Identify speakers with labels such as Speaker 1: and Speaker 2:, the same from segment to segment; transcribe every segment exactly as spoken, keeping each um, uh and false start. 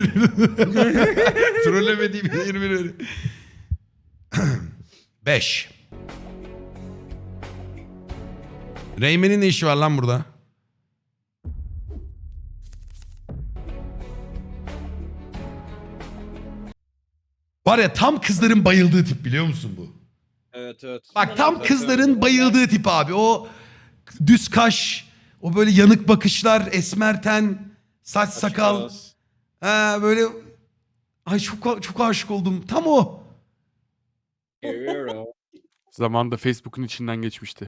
Speaker 1: Trollemediğim yirmi öyle. beş. Reymen'in ne işi var lan burada? Var ya tam kızların bayıldığı tip biliyor musun bu?
Speaker 2: Evet evet.
Speaker 1: Bak tam kızların bayıldığı tip abi. O düz kaş, o böyle yanık bakışlar, esmer ten, saç sakal. Ha böyle ay çok çok aşık oldum. Tam o.
Speaker 3: Zamanında Facebook'un içinden geçmişti.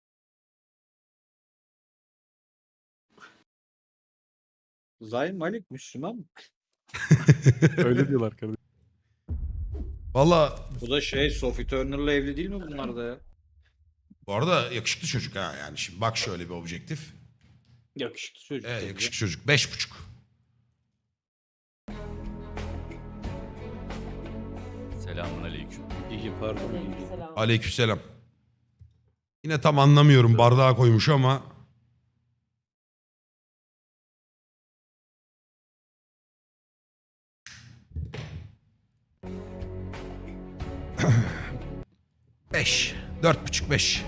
Speaker 2: Zayn Malik Müslüman mı?
Speaker 3: Öyle diyorlar kardeşim.
Speaker 1: Valla
Speaker 2: Bu da şey Sophie Turner'la evli değil mi bunlar da ya?
Speaker 1: bu arada yakışıklı çocuk ha yani. Şimdi bak şöyle bir objektif.
Speaker 2: Yakışıklı çocuk.
Speaker 1: Evet
Speaker 2: tabii.
Speaker 1: yakışıklı çocuk. Beş buçuk.
Speaker 4: Selamun aleyküm.
Speaker 2: İyi pardon. iyi.
Speaker 5: Aleykümselam.
Speaker 1: Aleykümselam. Yine tam anlamıyorum bardağa koymuş ama. Beş. Dört buçuk beş.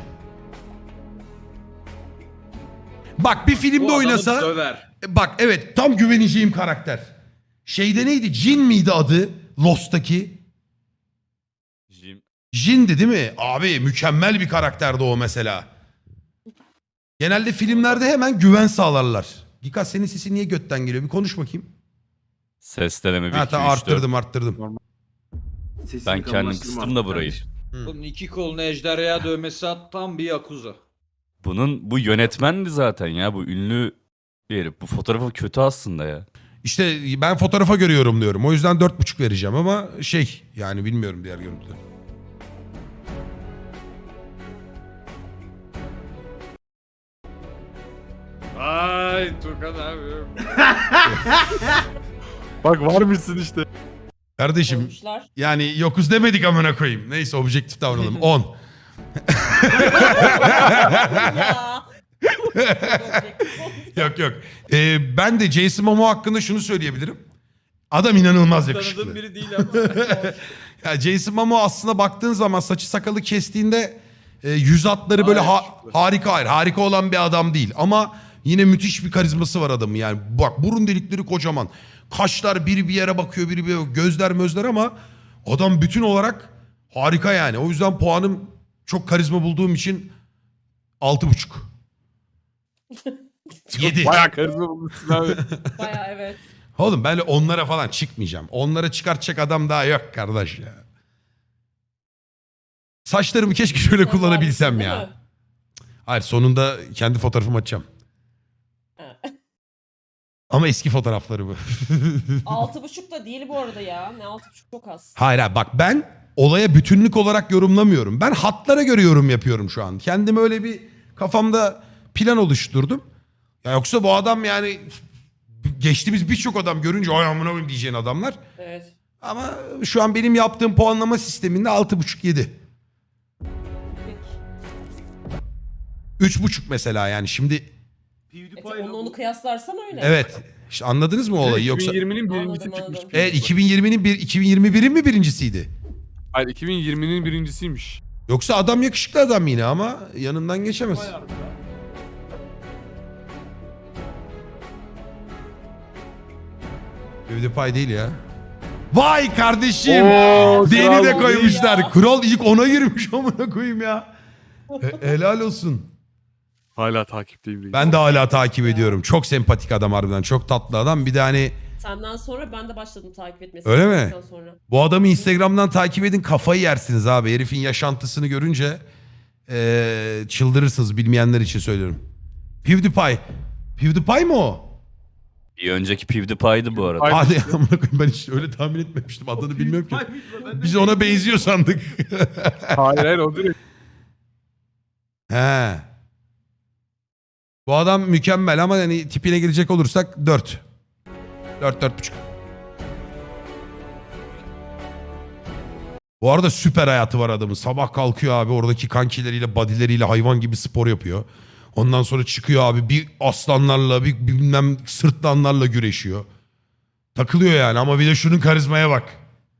Speaker 1: Bak bir filmde
Speaker 2: Bu adamı
Speaker 1: oynasa.
Speaker 2: döver.
Speaker 1: E, Bak evet tam güveneceğim karakter. Şeyde neydi? Jin miydi adı? Lost'taki.
Speaker 4: Jim.
Speaker 1: Jin'di değil mi? Abi mükemmel bir karakterdi o mesela. Genelde filmlerde hemen güven sağlarlar. Gika senin sesin niye götten geliyor? Bir konuş bakayım.
Speaker 4: Ses deneme bir
Speaker 1: Ha
Speaker 4: iki
Speaker 1: tamam
Speaker 4: üç dört.
Speaker 1: arttırdım arttırdım.
Speaker 4: Ben kendim kıstım da burayı.
Speaker 2: Bunun iki kolunu ejderhaya dövmesi at tam bir yakuza.
Speaker 4: Bunun bu yönetmendi zaten ya. Bu ünlü bir herif. Bu fotoğrafı kötü aslında ya.
Speaker 1: İşte ben fotoğrafa görüyorum diyorum. O yüzden dört buçuk vereceğim ama şey yani bilmiyorum diğer görüntüleri.
Speaker 2: Ay Turkan abi.
Speaker 3: Bak var mısın işte.
Speaker 1: Kardeşim
Speaker 5: Koymuşlar.
Speaker 1: yani yokuz demedik amına koyayım. Neyse objektif davranalım. on.
Speaker 5: Ya.
Speaker 1: Yok yok. Ee, ben de Jason Momoa hakkında şunu söyleyebilirim. Adam inanılmaz yakışıklı.
Speaker 2: Tanıdığım biri değil ama.
Speaker 1: Ya Jason Momoa aslında baktığın zaman saçı sakalı kestiğinde e, yüz hatları böyle ha- harika hayır harika olan bir adam değil ama yine müthiş bir karizması var adamın yani bak burun delikleri kocaman kaşlar biri bir yere bakıyor biri bir yere gözler mözler ama adam bütün olarak harika yani o yüzden puanım çok karizma bulduğum için altı buçuk. Yedi.
Speaker 3: Bayağı karizma bulmuşsun abi.
Speaker 5: Baya evet.
Speaker 1: Oğlum ben onlara falan çıkmayacağım. Onlara çıkartacak adam daha yok kardeş ya. Saçlarımı keşke şöyle
Speaker 5: Sen
Speaker 1: kullanabilsem
Speaker 5: varsın, değil
Speaker 1: ya.
Speaker 5: mi?
Speaker 1: Hayır sonunda kendi fotoğrafımı açacağım.
Speaker 5: Ha.
Speaker 1: Ama eski fotoğrafları bu.
Speaker 5: Altı buçuk da değil bu arada ya. Ne altı buçuk çok az.
Speaker 1: Hayır hayır bak ben olaya bütünlük olarak yorumlamıyorum. Ben hatlara göre yorum yapıyorum şu an. Kendim öyle bir kafamda plan oluşturdum. Ya yoksa bu adam yani geçtiğimiz birçok adam görünce ay amına koyayım diyeceğin adamlar.
Speaker 5: Evet.
Speaker 1: Ama şu an benim yaptığım puanlama sisteminde altı buçuk yedi.
Speaker 5: Peki.
Speaker 1: üç buçuk mesela yani şimdi
Speaker 5: E, onu, onu kıyaslarsan öyle.
Speaker 1: evet işte anladınız mı olayı yoksa
Speaker 3: iki bin yirminin birincisi
Speaker 5: Anladım,
Speaker 3: çıkmış.
Speaker 5: anladım.
Speaker 1: evet iki bin yirminin bir iki bin yirmi birin mi birincisiydi?
Speaker 3: Hayır iki bin yirminin birincisiymiş.
Speaker 1: Yoksa adam yakışıklı adam yine ama yanından geçemez. PewDiePie değil ya. Vay kardeşim.
Speaker 3: Oo,
Speaker 1: Deni de
Speaker 3: kral
Speaker 1: koymuşlar.
Speaker 5: ya.
Speaker 1: Kural ilk ona girmiş amına koyayım ya. He- helal olsun.
Speaker 3: Hala takipteyim reis.
Speaker 1: Ben de hala takip ediyorum. Çok sempatik adam harbiden. Çok tatlı adam. Bir de hani
Speaker 5: Senden sonra ben de başladım takip etmesi.
Speaker 1: Öyle mi?
Speaker 5: Senden Sonra.
Speaker 1: bu adamı Instagram'dan takip edin kafayı yersiniz abi. Herifin yaşantısını görünce eee, çıldırırsınız bilmeyenler için söylüyorum. PewDiePie. PewDiePie mi o?
Speaker 4: Bir önceki PewDiePie'di bu arada.
Speaker 3: Ay-
Speaker 1: Hadi amına koyayım ben hiç öyle tahmin etmemiştim. Adını bilmiyorum ki. Biz ona benziyor sandık.
Speaker 3: Hayır hayır o direkt.
Speaker 1: He. Bu adam mükemmel ama hani tipine girecek olursak dört. Dört, dört buçuk. Bu arada süper hayatı var adamın. Sabah kalkıyor abi oradaki kankileriyle, badileriyle hayvan gibi spor yapıyor. Ondan sonra çıkıyor abi bir aslanlarla, bir bilmem sırtlanlarla güreşiyor. Takılıyor yani ama bir de şunun karizmaya bak.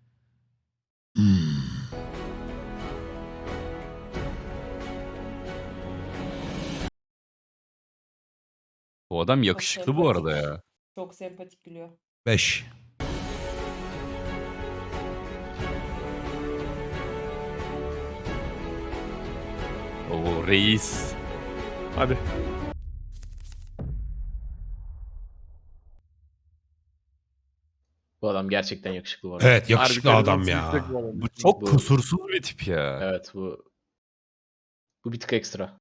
Speaker 4: Bu adam yakışıklı bu arada ya.
Speaker 5: Çok sempatik gülüyor.
Speaker 1: beş.
Speaker 4: Oo reis.
Speaker 3: Hadi.
Speaker 6: Bu adam gerçekten yakışıklı bu arada.
Speaker 1: Evet yakışıklı
Speaker 3: Harbi
Speaker 1: adam
Speaker 3: karizması
Speaker 1: ya.
Speaker 3: yüksek bu adam.
Speaker 4: Bu çok
Speaker 6: Bu-
Speaker 4: kusursuz bir tip ya.
Speaker 6: Evet bu bu bir tık ekstra.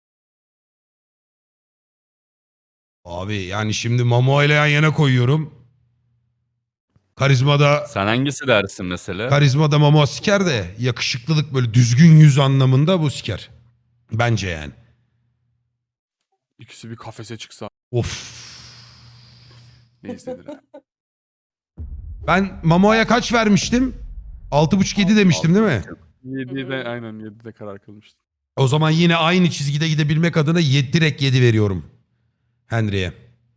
Speaker 1: Abi yani şimdi Momoa ile yan yana koyuyorum. Karizmada
Speaker 4: Sen hangisi dersin mesela?
Speaker 1: karizmada Momoa siker de yakışıklılık böyle düzgün yüz anlamında bu siker. Bence yani.
Speaker 3: İkisi bir kafese çıksa
Speaker 1: Of.
Speaker 3: ne izlenir ha?
Speaker 1: Ben Momoa'ya kaç vermiştim? altı buçuk yedi demiştim değil mi?
Speaker 3: yedide aynen yedide karar kılmıştım.
Speaker 1: O zaman yine aynı çizgide gidebilmek adına yedi, direkt yedi veriyorum. Henry'e.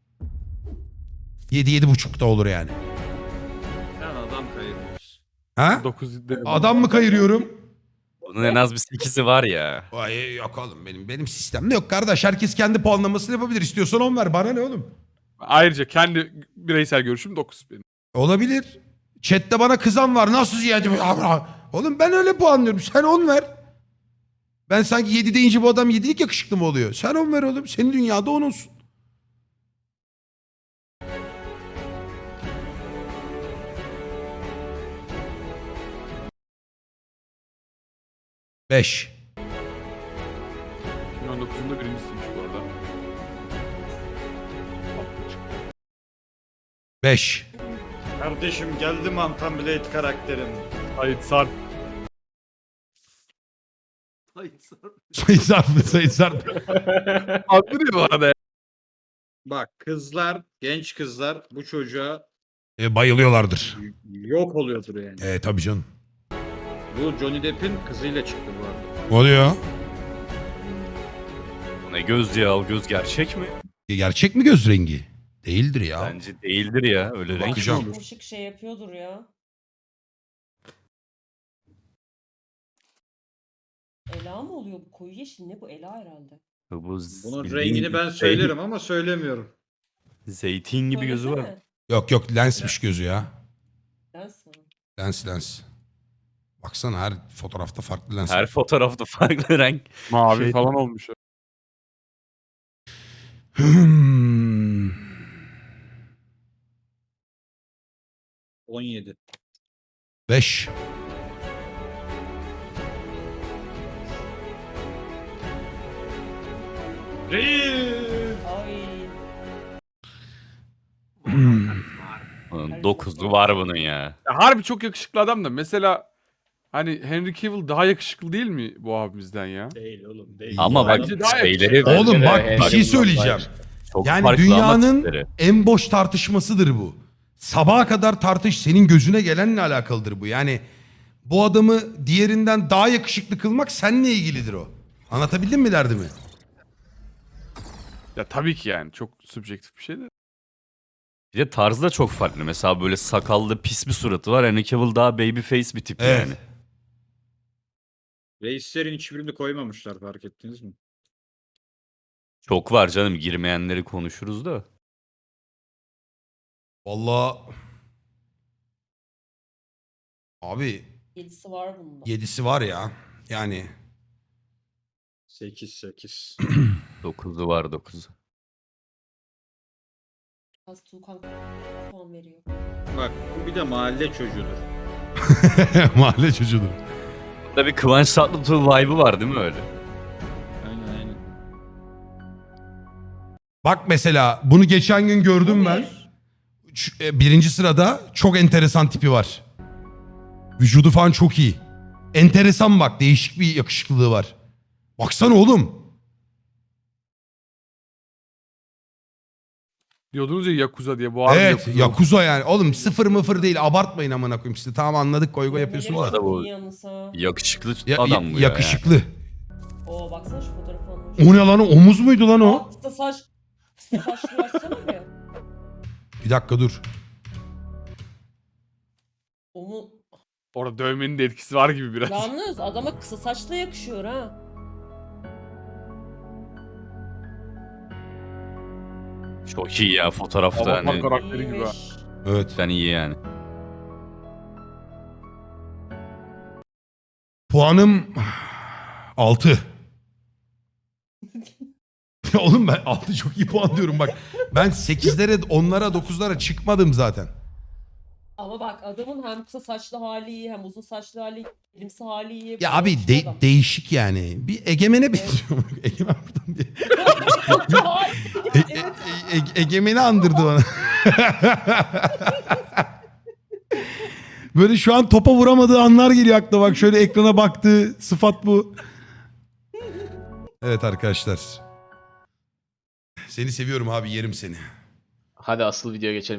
Speaker 1: yedi yedi buçuk da olur yani.
Speaker 2: Sen adam kayırmıyorsun.
Speaker 1: Ha?
Speaker 3: dokuz dedim.
Speaker 1: Adam mı kayırıyorum?
Speaker 4: Bunun en az bir sekizi var ya.
Speaker 1: Ay yok oğlum benim benim sistemde yok kardeş. Herkes kendi puanlamasını yapabilir. İstiyorsan on ver. Bana ne oğlum?
Speaker 3: Ayrıca kendi bireysel görüşüm dokuz benim.
Speaker 1: Olabilir. Chat'te bana kızan var. Nasıl ziyade? Oğlum ben öyle puanlıyorum. Sen on ver. Ben sanki yedi deyince bu adam yedilik yakışıklı mı oluyor? Sen on ver oğlum. Senin dünyada on olsun. Beş.
Speaker 3: iki bin on dokuzunda birincisiymiş bu arada.
Speaker 1: Beş.
Speaker 2: Kardeşim geldi Mantan Blade karakterim.
Speaker 3: Hayır Sarp.
Speaker 1: Sayın Sarp. Sayın Sarp.
Speaker 3: Adlı ne bu arada?
Speaker 2: Bak kızlar, genç kızlar bu çocuğa
Speaker 1: E, bayılıyorlardır.
Speaker 2: yok oluyordur yani.
Speaker 1: E tabii canım.
Speaker 2: Bu Johnny Depp'in kızıyla çıktı bu arada.
Speaker 1: Oluyor.
Speaker 4: Bu ne göz ya? O göz gerçek mi?
Speaker 1: E, gerçek mi göz rengi? Değildir ya.
Speaker 4: Bence değildir ya. Öyle renk mi
Speaker 1: Bakacağım.
Speaker 4: olur?
Speaker 5: Işık şey yapıyordur ya. Ela mı oluyor bu? Koyu yeşil ne bu? Ela herhalde.
Speaker 4: Bu
Speaker 2: Bunun
Speaker 4: bildiğin
Speaker 2: rengini ben
Speaker 4: şey-
Speaker 2: söylerim ama söylemiyorum.
Speaker 4: Zeytin gibi gözü var.
Speaker 5: Söylesene.
Speaker 1: Yok yok lensmiş gözü ya.
Speaker 5: Lens mi?
Speaker 1: Lens lens. Baksana her fotoğrafta farklı lens.
Speaker 4: Her fotoğrafta farklı renk.
Speaker 3: Mavi
Speaker 4: Şey-
Speaker 3: falan olmuş.
Speaker 1: Hmm.
Speaker 2: on yedi.
Speaker 1: Beş.
Speaker 5: Ay.
Speaker 4: Bunun dokuzu var bunun ya.
Speaker 3: Ya harbi çok yakışıklı adam da mesela hani Henry Cavill daha yakışıklı değil mi bu abimizden ya?
Speaker 2: Değil oğlum değil.
Speaker 4: Ama bak
Speaker 3: Bence daha
Speaker 4: şeyleri
Speaker 3: yakışıklı.
Speaker 1: Oğlum
Speaker 6: Bence de
Speaker 1: bak bir
Speaker 6: Henry
Speaker 1: şey
Speaker 6: Cavill'dan
Speaker 1: söyleyeceğim.
Speaker 6: daha
Speaker 4: çok
Speaker 1: Yani
Speaker 4: farklı ama
Speaker 1: dünyanın
Speaker 4: tipleri.
Speaker 1: en boş tartışmasıdır bu. Sabaha kadar tartış, senin gözüne gelenle alakalıdır bu. Yani bu adamı diğerinden daha yakışıklı kılmak seninle ilgilidir o. Anlatabildim mi derdimi?
Speaker 3: Ya tabii ki yani çok subjektif bir şey de.
Speaker 4: Bir de tarzı da çok farklı. Mesela böyle sakallı pis bir suratı var. Henry Cavill daha baby face bir tip
Speaker 1: Evet.
Speaker 4: yani.
Speaker 2: Reislerin hiçbirini koymamışlar fark ettiniz mi?
Speaker 4: Çok var canım. Girmeyenleri konuşuruz da.
Speaker 1: Vallahi abi
Speaker 5: Yedisi var bunda.
Speaker 1: yedisi var ya. Yani
Speaker 2: sekiz sekiz.
Speaker 4: Dokuzu var dokuzu.
Speaker 5: Az Tuğkan puan veriyor.
Speaker 2: Bak bu bir de mahalle çocuğudur.
Speaker 1: mahalle çocuğudur.
Speaker 4: Burada bir Kıvanç Tatlıtuğ vibe'ı var değil mi öyle?
Speaker 2: Aynen aynen.
Speaker 1: Bak mesela bunu geçen gün gördüm
Speaker 5: Bu
Speaker 1: ben.
Speaker 5: bir.
Speaker 1: Şu- e, Birinci sırada çok enteresan tipi var. Vücudu falan çok iyi. Enteresan bak, değişik bir yakışıklılığı var. Baksana oğlum.
Speaker 3: Diyordunuz ya Yakuza diye bu abi
Speaker 1: Evet
Speaker 3: Yakuza.
Speaker 1: Yakuza yani. Oğlum sıfır mıfır değil, abartmayın amına koyayım size. Tamam anladık, goy goy yapıyorsunuz
Speaker 5: Neleri
Speaker 1: da.
Speaker 4: arada bu-
Speaker 5: çok iyi yalnız ha.
Speaker 4: Yakışıklı
Speaker 1: Ya-
Speaker 4: adam
Speaker 1: ya-
Speaker 4: bu ya.
Speaker 1: yakışıklı.
Speaker 5: Oo baksana şu fotoğrafı almış.
Speaker 1: O ne lan, o omuz muydu lan o?
Speaker 5: Altta saç. Saçlı açsana bir.
Speaker 1: Bir dakika dur.
Speaker 5: Onu
Speaker 3: Orada dövmenin de etkisi var gibi biraz.
Speaker 5: yalnız adama kısa saçla yakışıyor ha.
Speaker 4: Çok iyi ya fotoğrafta
Speaker 3: Avatar
Speaker 4: hani.
Speaker 3: karakteri gibi ha.
Speaker 5: İyiymiş.
Speaker 1: Evet.
Speaker 4: Ben iyi yani.
Speaker 1: Puanım altı. Oğlum ben altı çok iyi puan diyorum bak. Ben sekizlere, onlara, dokuzlara çıkmadım zaten.
Speaker 5: Ama bak adamın hem kısa saçlı hali iyi hem uzun saçlı hali, elimsi hali iyi.
Speaker 1: Ya abi
Speaker 5: Yakışıyor
Speaker 1: de-
Speaker 5: adam.
Speaker 1: değişik yani. Bir Egemen'e benziyor. Egemen buradan bir...
Speaker 5: Hayır,
Speaker 1: E-
Speaker 5: evet.
Speaker 1: e- e- Egemen'i andırdı bana. Böyle şu an topa vuramadığı anlar geliyor aklıma. Bak şöyle ekrana baktığı sıfat bu. Evet arkadaşlar. Seni seviyorum abi, yerim seni.
Speaker 6: Hadi asıl videoya geçelim.